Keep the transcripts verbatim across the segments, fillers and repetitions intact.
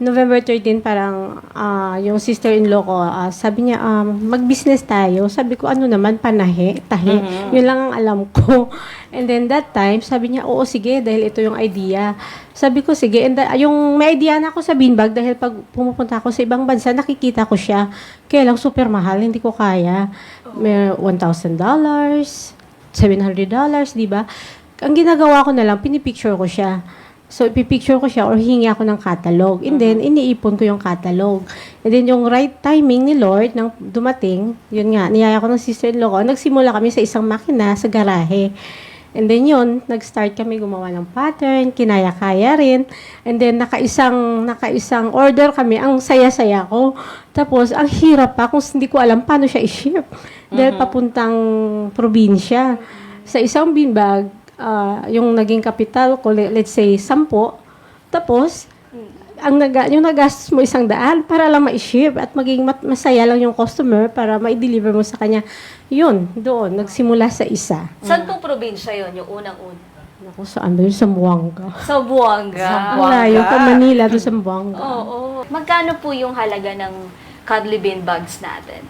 November thirteen, parang ah, yung sister-in-law ko, ah, sabi niya, um, mag-business tayo. Sabi ko, ano naman, panahe, tahi. Yun lang ang alam ko. And then that time, sabi niya, oo, sige, dahil ito yung idea. Sabi ko, sige. And the- yung may idea na ako sa beanbag, dahil pag pumupunta ako sa ibang bansa, nakikita ko siya. Kaya lang, super mahal, hindi ko kaya. May one thousand dollars, seven hundred dollars, di ba? Ang ginagawa ko na lang, pinipicture ko siya. So, ipipicture ko siya or hingi ako ng catalog. And then, iniipon ko yung catalog. And then, yung right timing ni Lord nang dumating, yun nga, niyaya ko ng sister-in-law ko, nagsimula kami sa isang makina sa garahe. And then, yun, nag-start kami gumawa ng pattern, kinaya-kaya rin. And then, nakaisang, nakaisang order kami, ang saya-saya ko. Tapos, ang hirap pa kung hindi ko alam paano siya i-ship. Dahil papuntang probinsya. Sa isang beanbag, ah, yung naging capital ko, le- let's say, sampo. Tapos, ang naga, yung nagastos mo isang daan para lang ma-ship at maging mat- masaya lang yung customer para ma-deliver mo sa kanya. Yun, doon, nagsimula sa isa. Saan pong probinsya yon yung unang-una? Naku, saan ba yun? Sa Buanga. Sa Buanga. Ang layo pa Manila, doon sa Buanga. Oo. Magkano po yung halaga ng cuddly bean bags natin?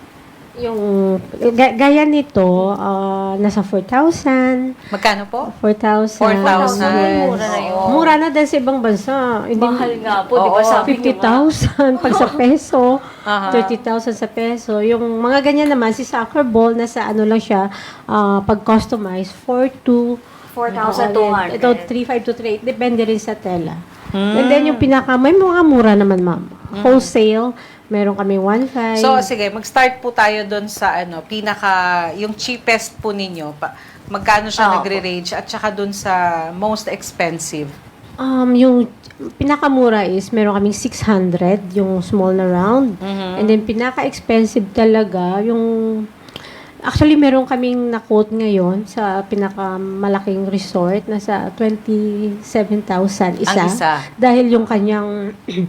Yung, ga- gaya nito, ah, nasa four thousand. Magkano po? four thousand. four thousand. Yes. Mura na yun. Mura na dahil sa ibang bansa. Hindi, Mahal nga po, di ba? Oo. Sabi niyo nga. fifty thousand pag sa peso, Aha. thirty thousand sa peso. Yung mga ganyan naman, si soccer ball, nasa ano lang siya, ah, pag-customize, four to four thousand two hundred. Ito, three five to three eight. Depende rin sa tela. And then yung pinaka, may mga mura naman, ma'am. Wholesale, meron kami one five. So, sige, mag-start po tayo doon sa ano, pinaka, yung cheapest po ninyo. Pa, magkano siya Ah, nagre-range at saka doon sa most expensive. Um, yung pinakamura is meron kaming six hundred, yung small na round. And then pinaka-expensive talaga, yung actually meron kaming na-quote ngayon sa pinakamalaking resort, nasa twenty-seven thousand isa. Ang isa. Dahil yung kanyang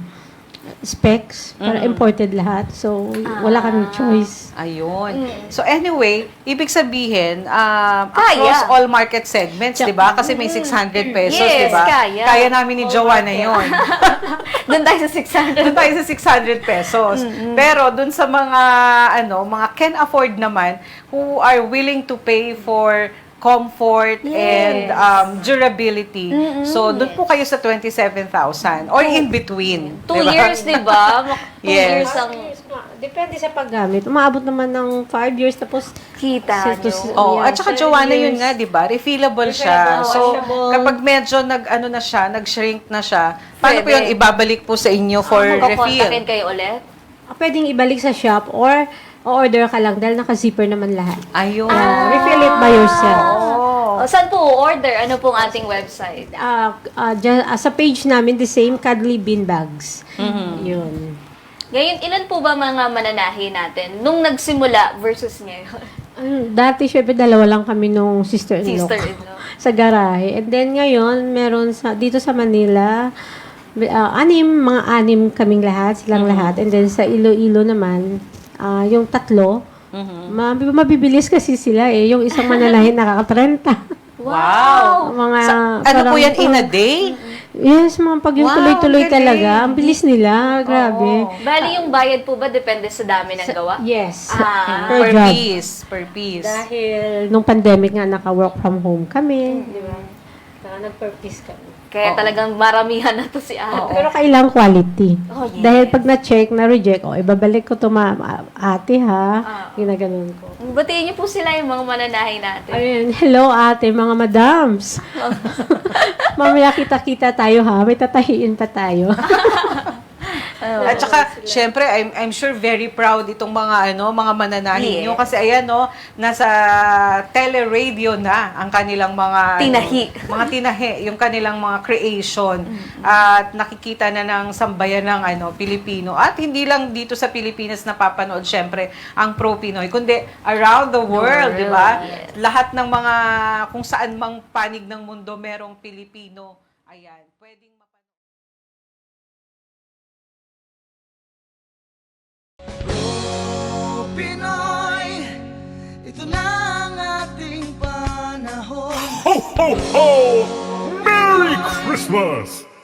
specs, para imported lahat. So, wala kaming choice. Ayun. So anyway, ibig sabihin, um, Kaya. across all market segments, 'di ba? Kasi may six hundred pesos, Yes, 'di ba? kaya. Kaya namin ni Joanna 'yon. Doon tayo sa six hundred. Doon tayo sa six hundred pesos. Pero doon sa mga ano, mga can afford naman who are willing to pay for comfort and um, durability. So, doon po kayo sa twenty-seven thousand or in between. Two diba? years, di ba? Mak- Two Yes. years ang Depende sa paggamit. Umaabot naman ng five years, tapos kita Sir, to- nyo. Oh, Yeah, at saka seven Joanna yun years. nga, 'di ba? Refillable siya. Refillable, So, washable. kapag medyo nag ano na siya, nag-shrink na siya, paano po Pwede. 'yun ibabalik po sa inyo for refill? Magkakontakin kayo ulit? ah, pwedeng ibalik sa shop or order ka lang dahil naka-zipper naman lahat. Ayun. Ah, refill it by yourself. Oh. O, saan po order? Ano pong ating website? Ah, ah, dyan- ah, sa page namin, the same cuddly bean bags. Yun. Ngayon, ilan po ba mga mananahi natin nung nagsimula versus ngayon? Ano, dati, syempre, dalawa lang kami nung sister-in-law. ko Sister-in-law. sa garahe. And then, ngayon, meron sa, dito sa Manila, ah, anim, mga anim kaming lahat, silang lahat. And then, sa Iloilo naman, ah, yung tatlo, mab- mabibilis kasi sila eh. Yung isang mananahin nakaka-trenta. Wow. mga, Sa, ano po parang- yan, in a day? Yes, mga pag yung Wow, tuloy-tuloy ang galing. talaga. Ang bilis nila. Grabe. Oo. Bali, yung bayad po ba depende sa dami ng gawa? Yes. Ah. Per Per job. piece. Per piece. Dahil nung pandemic nga, naka-work from home kami. Di ba? Kaya nag-purpose kami. Kaya Oo. talagang maramihan na to si ate. Pero kailangan quality. Oh, yes. Dahil pag na-check, na-reject, oh, ibabalik ko to ma ate ha. Ah. Ginaganon ko. Batiin niyo po sila yung mga mananahi natin. Ayun, hello ate, mga madams. Mamaya kita-kita tayo ha. May tatahiin pa tayo. At saka, syempre, I'm, I'm sure very proud itong mga ano, mga mananahin Yes. nyo. Kasi ayan, no, nasa tele-radio na ang kanilang mga... Tinahi. ano, mga tinahi, yung kanilang mga creation. At nakikita na ng sambayan ng ano, Pilipino. At hindi lang dito sa Pilipinas napapanood, syempre, ang pro-Pinoy, kundi around the world, world, di ba? yes. Lahat ng mga, kung saan mang panig ng mundo, merong Pilipino. Ayan, pwedeng mapanood. Pinoy, ito na ang ating panahon. Ho, ho, ho! Merry Christmas!